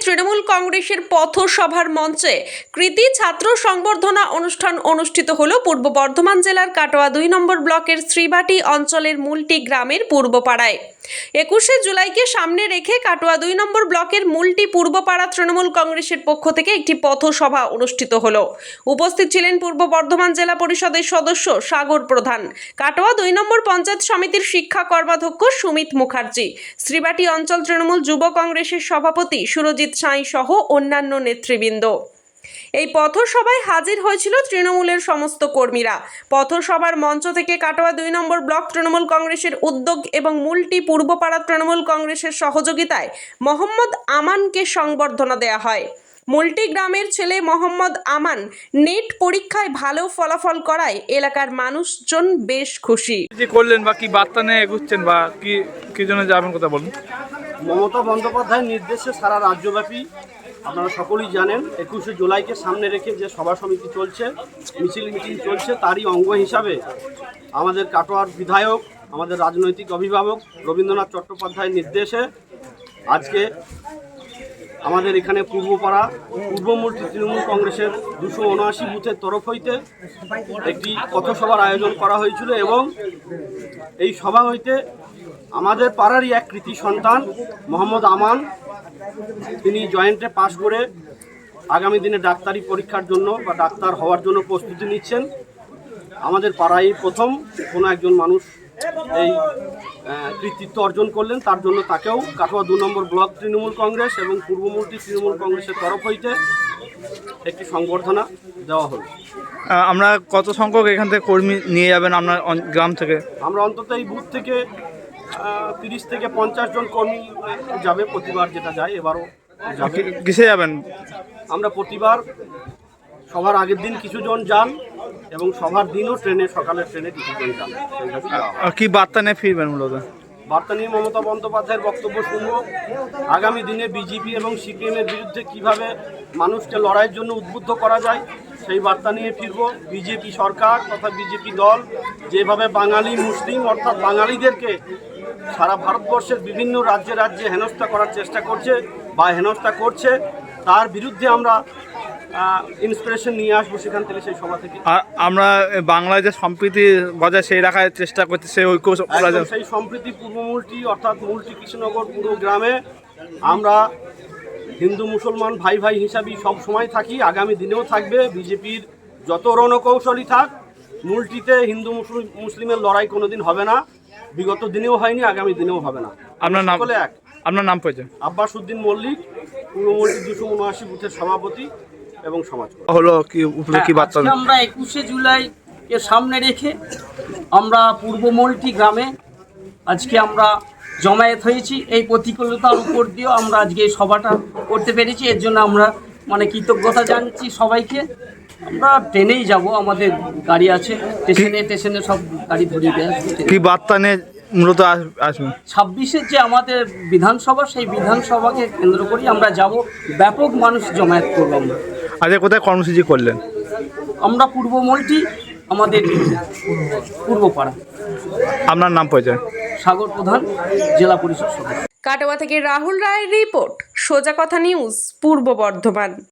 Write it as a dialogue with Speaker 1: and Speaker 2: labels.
Speaker 1: তৃণমূল কংগ্রেসের পথসভার মঞ্চে কৃতি ছাত্র সংবর্ধনা অনুষ্ঠান অনুষ্ঠিত হল পূর্ব বর্ধমান জেলার কাটোয়া 2 নম্বর ব্লকের শ্রীবাটি অঞ্চলের মুলটি গ্রামের পূর্বপাড়ায়। 21শে জুলাইকে সামনে রেখে কাটোয়া 2 নম্বর ব্লকের মুলটি পূর্বপাড়া তৃণমূল কংগ্রেসের পক্ষ থেকে একটি পথসভা অনুষ্ঠিত হল। উপস্থিত ছিলেন পূর্ব বর্ধমান জেলা পরিষদের সদস্য সাগর প্রধান, কাটোয়া 2 নম্বর পঞ্চায়েত সমিতির শিক্ষা কর্মাধ্যক্ষ সুমিত মুখার্জি, শ্রীবাটি অঞ্চল তৃণমূল যুব কংগ্রেসের সভাপতি সুরজিৎ সাঁই সহ অন্যান্য নেতৃবৃন্দ। এই পথসভায় হাজির হয়েছিল তৃণমূলের সমস্ত কর্মীরা। পথসভার মঞ্চ থেকে কাটোয়া 2 নম্বর ব্লক তৃণমূল কংগ্রেসের উদ্যোগ এবং মুলটি পূর্বপাড়া তৃণমূল কংগ্রেসের সহযোগিতায় মোহাম্মদ আমানকে সংবর্ধনা দেওয়া হয়। মুলটি গ্রামের ছেলে মোহাম্মদ আমান নেট পরীক্ষায় ভালো ফলাফল করায় এলাকার মানুষজন বেশ খুশি।
Speaker 2: যে করলেন বা কি বার্তা নিয়ে এগুচ্ছেন বা কি জন্য যাবেন কথা বলুন।
Speaker 3: মমতা বন্দ্যোপাধ্যায়ের নির্দেশে সারা রাজ্যব্যাপী আপনারা সকলেই জানেন 21শে জুলাইকে সামনে রেখে যে সভা সমিতি চলছে, মিটিং চলছে, তারই অঙ্গ হিসাবে আমাদের কাটোয়ার বিধায়ক, আমাদের রাজনৈতিক অভিভাবক রবীন্দ্রনাথ চট্টোপাধ্যায়ের নির্দেশে আজকে আমাদের এখানে পূর্বপাড়া পূর্বমূর্তি তৃণমূল কংগ্রেসের 279 বুথের তরফ হইতে একটি পথসভার আয়োজন করা হয়েছিল এবং এই সভা হইতে আমাদের পাড়ারই এক কৃতি সন্তান মোহাম্মদ আমান, তিনি জয়েন্টে পাশ করে আগামী দিনে ডাক্তারি পরীক্ষার জন্য বা ডাক্তার হওয়ার জন্য প্রস্তুতি নিচ্ছেন। আমাদের পাড়ায় প্রথম কোনো একজন মানুষ এই কৃতিত্ব অর্জন করলেন, তার জন্য তাকেও কাটোয়া 2 নম্বর ব্লক তৃণমূল কংগ্রেস এবং পূর্বমূর্তি তৃণমূল কংগ্রেসের তরফ হইতে একটি সংবর্ধনা দেওয়া হলো।
Speaker 2: আমরা কত সংখ্যক এখান থেকে কর্মী নিয়ে যাবেন আপনার গ্রাম থেকে? আমরা
Speaker 3: অন্তত এই বুথ থেকে 30 থেকে 50 জন কর্মী যাবে, প্রতিবার যেটা যায় এবারও যাবে।
Speaker 2: কিসে যাবেন?
Speaker 3: আমরা প্রতিবার সবার আগের দিন কিছু জন যান এবং সবার দিনও ট্রেনে, সকালের ট্রেনে কিছু জন যান।
Speaker 2: কি বার্তা নিয়ে ফিরবেন? মূলত
Speaker 3: বার্তা নিয়ে মমতা বন্দ্যোপাধ্যায়ের বক্তব্য শুনব। আগামী দিনে বিজেপি এবং সিপিএমের বিরুদ্ধে কিভাবে মানুষকে লড়াইয়ের জন্য উদ্বুদ্ধ করা যায় সেই বার্তা নিয়ে ফিরব। বিজেপি সরকার তথা বিজেপি দল যেভাবে বাঙালি মুসলিম অর্থাৎ বাঙালিদেরকে সারা ভারতবর্ষের বিভিন্ন রাজ্যে রাজ্যে হেনস্থা করার চেষ্টা করছে বা হেনস্থা করছে, তার বিরুদ্ধে আমরা ইন্সপিরেশন নিয়ে আসবো সেখান থেকে, সেই সভা থেকে।
Speaker 2: আর আমরা বাংলায় যে সম্প্রীতি বজায় সেই রাখার চেষ্টা করছি, সেই ঐক্য
Speaker 3: সেই সম্প্রীতি পূর্বমূলটি অর্থাৎ মুলটি কৃষ্ণনগর পুরো গ্রামে আমরা হিন্দু মুসলমান ভাই ভাই হিসাবেই সব সময় থাকি, আগামী দিনেও থাকবে। বিজেপির যত রণকৌশলী থাক, মুলটিতে হিন্দু মুসলিমের লড়াই কোনোদিন হবে না, বিগত দিনেও হয়নি, আগামী দিনেও হবে না।
Speaker 2: আপনার নাম পরিচয়?
Speaker 3: আব্বাস উদ্দিন মল্লিক, পূর্বমূলটি 279 বুথের সভাপতি এবং সমাজ
Speaker 2: হলো কি বার্তা?
Speaker 4: আমরা 21শে জুলাইকে সামনে রেখে আমরা পূর্বমূলটি গ্রামে আজকে আমরা জমায়েত হয়েছি। এই প্রতিকূলতার উপর দিয়েও আমরা আজকে এই সভাটা করতে পেরেছি, এর জন্য আমরা কৃতজ্ঞতা জানাচ্ছি সবাইকে। আমরা ট্রেনেই যাব, আমাদের গাড়ি আছে, স্টেশনে সব গাড়ি ধরিয়ে দেয়।
Speaker 2: কি বার্তা নিয়ে মূলত আসবেন?
Speaker 4: 26-এর যে আমাদের বিধানসভা, সেই বিধানসভাকে কেন্দ্র করে আমরা যাব, ব্যাপক মানুষ জমায়েত করব। আমরা
Speaker 2: আজকে কোথায় কর্মসূচি করলেন?
Speaker 4: আমরা পূর্বমূলটি আমাদের পূর্বপাড়া।
Speaker 2: আপনার নাম পরিচয়?
Speaker 4: সাগর প্রধান, জেলা পরিষদ সদস্য।
Speaker 1: কাটোয়া থেকে রাহুল রায়ের রিপোর্ট, সোজা কথা নিউজ, পূর্ব বর্ধমান।